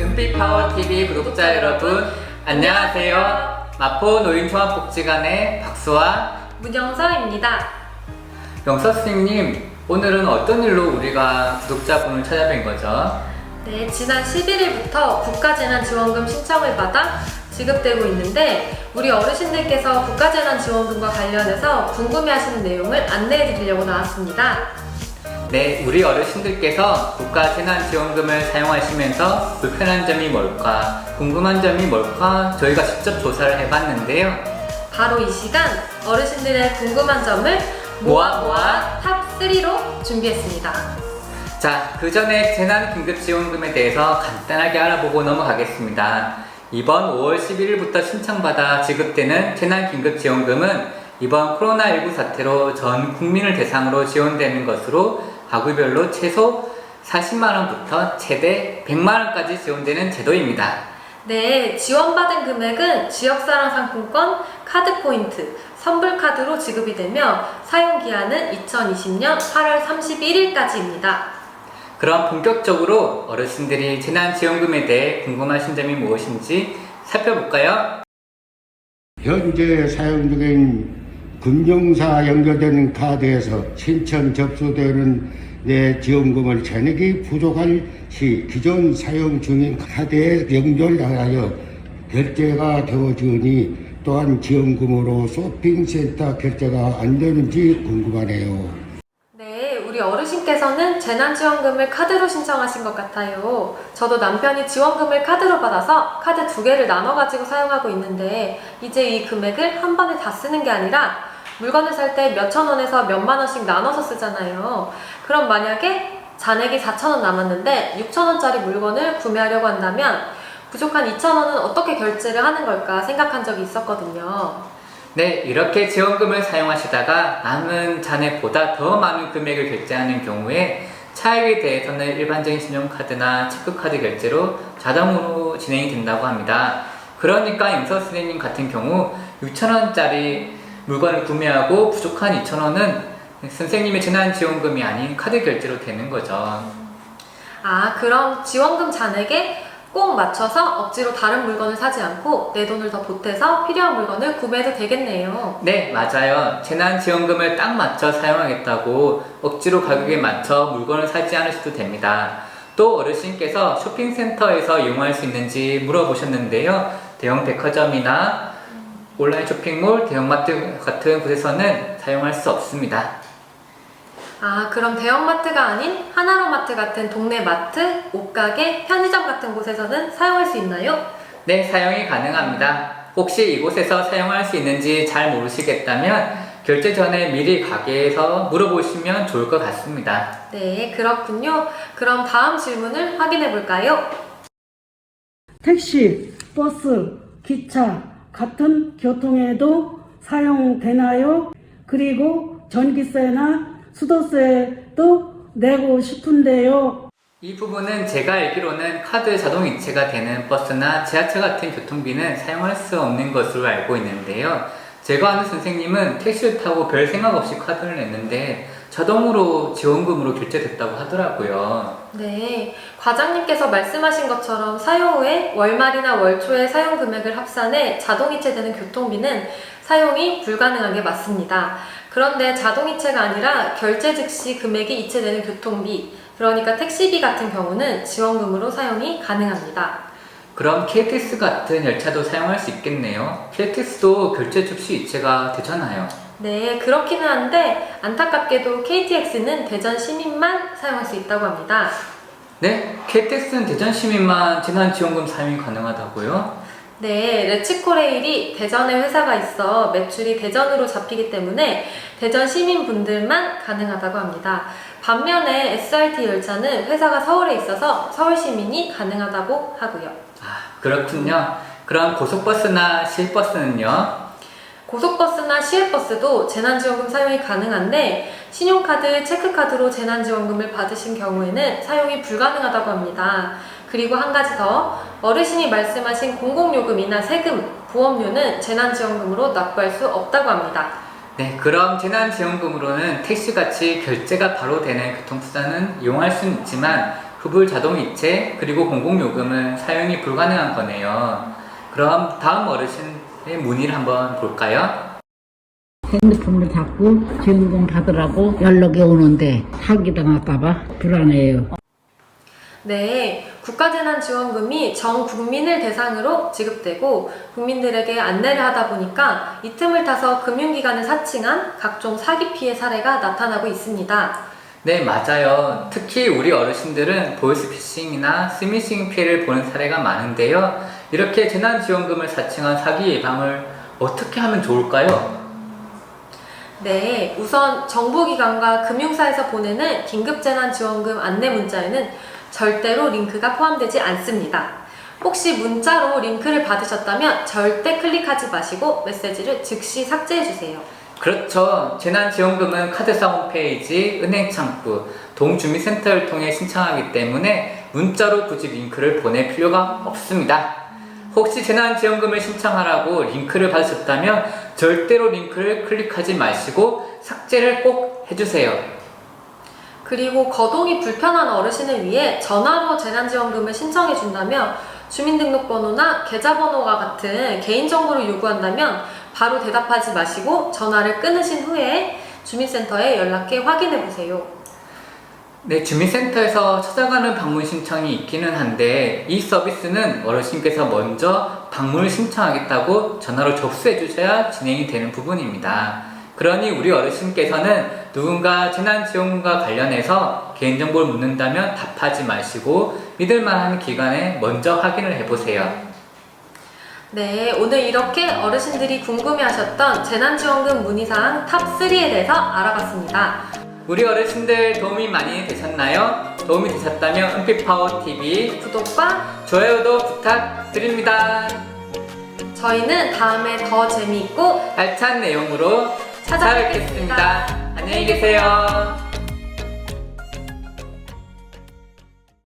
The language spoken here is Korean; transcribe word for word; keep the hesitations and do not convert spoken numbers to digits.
금빛파워티비 구독자 여러분 안녕하세요. 마포 노인종합복지관의 박수아 문영서입니다. 영서 선생님, 오늘은 어떤 일로 우리가 구독자분을 찾아뵌 거죠? 네, 지난 십일 일부터 국가재난지원금 신청을 받아 지급되고 있는데 우리 어르신들께서 국가재난지원금과 관련해서 궁금해하시는 내용을 안내해 드리려고 나왔습니다. 네, 우리 어르신들께서 국가재난지원금을 사용하시면서 불편한 점이 뭘까, 궁금한 점이 뭘까 저희가 직접 조사를 해봤는데요. 바로 이 시간 어르신들의 궁금한 점을 모아 모아 탑 삼로 준비했습니다. 자, 그 전에 재난긴급지원금에 대해서 간단하게 알아보고 넘어가겠습니다. 이번 오월 십일일부터 신청받아 지급되는 재난긴급지원금은 이번 코로나십구 사태로 전 국민을 대상으로 지원되는 것으로 가구별로 최소 사십만 원부터 최대 백만 원까지 지원되는 제도입니다. 네, 지원받은 금액은 지역사랑 상품권, 카드 포인트, 선불카드로 지급이 되며 사용기한은 이천이십년 팔월 삼십일일까지입니다. 그럼 본격적으로 어르신들이 재난지원금에 대해 궁금하신 점이 무엇인지 살펴볼까요? 현재 사용 중인 금융사 연결되는 카드에서 신청 접수되는 내 지원금을 잔액이 부족할 시 기존 사용 중인 카드에 연결하여 결제가 되어지니 또한 지원금으로 쇼핑센터 결제가 안 되는지 궁금하네요. 네, 우리 어르신께서는 재난지원금을 카드로 신청하신 것 같아요. 저도 남편이 지원금을 카드로 받아서 카드 두 개를 나눠가지고 사용하고 있는데 이제 이 금액을 한 번에 다 쓰는 게 아니라 물건을 살 때 몇천 원에서 몇만 원씩 나눠서 쓰잖아요. 그럼 만약에 잔액이 사천 원 남았는데 육천 원짜리 물건을 구매하려고 한다면 부족한 이천 원은 어떻게 결제를 하는 걸까 생각한 적이 있었거든요. 네, 이렇게 지원금을 사용하시다가 남은 잔액보다 더 많은 금액을 결제하는 경우에 차액에 대해서는 일반적인 신용카드나 체크카드 결제로 자동으로 진행이 된다고 합니다. 그러니까 영서 선생님 같은 경우 육천 원짜리 물건을 구매하고 부족한 이천 원은 선생님의 재난지원금이 아닌 카드 결제로 되는 거죠. 아, 그럼 지원금 잔액에 꼭 맞춰서 억지로 다른 물건을 사지 않고 내 돈을 더 보태서 필요한 물건을 구매해도 되겠네요. 네, 맞아요. 재난지원금을 딱 맞춰 사용하겠다고 억지로 가격에 맞춰 물건을 사지 않으셔도 됩니다. 또 어르신께서 쇼핑센터에서 이용할 수 있는지 물어보셨는데요. 대형 백화점이나 온라인 쇼핑몰, 대형마트 같은 곳에서는 사용할 수 없습니다. 아, 그럼 대형마트가 아닌 하나로마트 같은 동네 마트, 옷가게, 편의점 같은 곳에서는 사용할 수 있나요? 네, 사용이 가능합니다. 혹시 이곳에서 사용할 수 있는지 잘 모르시겠다면 결제 전에 미리 가게에서 물어보시면 좋을 것 같습니다. 네, 그렇군요. 그럼 다음 질문을 확인해 볼까요? 택시, 버스, 기차 같은 교통에도 사용되나요? 그리고 전기세나 수도세도 내고 싶은데요. 이 부분은 제가 알기로는 카드 자동이체가 되는 버스나 지하철 같은 교통비는 사용할 수 없는 것으로 알고 있는데요. 제가 아는 선생님은 택시를 타고 별 생각 없이 카드를 냈는데 자동으로 지원금으로 결제됐다고 하더라고요. 네, 과장님께서 말씀하신 것처럼 사용 후에 월말이나 월초에 사용 금액을 합산해 자동이체되는 교통비는 사용이 불가능한 게 맞습니다. 그런데 자동이체가 아니라 결제 즉시 금액이 이체되는 교통비, 그러니까 택시비 같은 경우는 지원금으로 사용이 가능합니다. 그럼 케이티엑스 같은 열차도 사용할 수 있겠네요. 케이티엑스도 결제 즉시 이체가 되잖아요. 네, 그렇기는 한데 안타깝게도 케이티엑스는 대전 시민만 사용할 수 있다고 합니다. 네? 케이티엑스는 대전 시민만 재난지원금 사용이 가능하다고요? 네, 레츠코레일이 대전에 회사가 있어 매출이 대전으로 잡히기 때문에 대전 시민분들만 가능하다고 합니다. 반면에 에스알티 열차는 회사가 서울에 있어서 서울 시민이 가능하다고 하고요. 아, 그렇군요. 그럼 고속버스나 시외버스는요? 고속버스나 시외버스도 재난지원금 사용이 가능한데 신용카드, 체크카드로 재난지원금을 받으신 경우에는 사용이 불가능하다고 합니다. 그리고 한 가지 더, 어르신이 말씀하신 공공요금이나 세금, 보험료는 재난지원금으로 납부할 수 없다고 합니다. 네, 그럼 재난지원금으로는 택시같이 결제가 바로 되는 교통수단은 이용할 수는 있지만 흡을 자동이체, 그리고 공공요금은 사용이 불가능한 거네요. 그럼 다음 어르신의 문의를 한번 볼까요? 핸드폰을 잡고 지원금 받으라고 연락이 오는데 사기당할까봐 불안해요. 네, 국가재난지원금이 전 국민을 대상으로 지급되고 국민들에게 안내를 하다 보니까 이 틈을 타서 금융기관을 사칭한 각종 사기 피해 사례가 나타나고 있습니다. 네, 맞아요. 특히 우리 어르신들은 보이스피싱이나 스미싱 피해를 보는 사례가 많은데요. 이렇게 재난지원금을 사칭한 사기 예방을 어떻게 하면 좋을까요? 네, 우선 정부기관과 금융사에서 보내는 긴급재난지원금 안내 문자에는 절대로 링크가 포함되지 않습니다. 혹시 문자로 링크를 받으셨다면 절대 클릭하지 마시고 메시지를 즉시 삭제해주세요. 그렇죠. 재난지원금은 카드사 홈페이지, 은행 창구, 동주민센터를 통해 신청하기 때문에 문자로 굳이 링크를 보낼 필요가 없습니다. 혹시 재난지원금을 신청하라고 링크를 받으셨다면 절대로 링크를 클릭하지 마시고 삭제를 꼭 해주세요. 그리고 거동이 불편한 어르신을 위해 전화로 재난지원금을 신청해준다면 주민등록번호나 계좌번호와 같은 개인정보를 요구한다면 바로 대답하지 마시고 전화를 끊으신 후에 주민센터에 연락해 확인해보세요. 네, 주민센터에서 찾아가는 방문 신청이 있기는 한데 이 서비스는 어르신께서 먼저 방문을 신청하겠다고 전화로 접수해 주셔야 진행이 되는 부분입니다. 그러니 우리 어르신께서는 누군가 재난지원금과 관련해서 개인정보를 묻는다면 답하지 마시고 믿을만한 기관에 먼저 확인을 해보세요. 네, 오늘 이렇게 어르신들이 궁금해하셨던 재난지원금 문의사항 탑 쓰리에 대해서 알아봤습니다. 우리 어르신들 도움이 많이 되셨나요? 도움이 되셨다면 은빛파워티비 구독과 좋아요도 부탁드립니다. 저희는 다음에 더 재미있고 알찬 내용으로 찾아뵙겠습니다. 안녕히 계세요.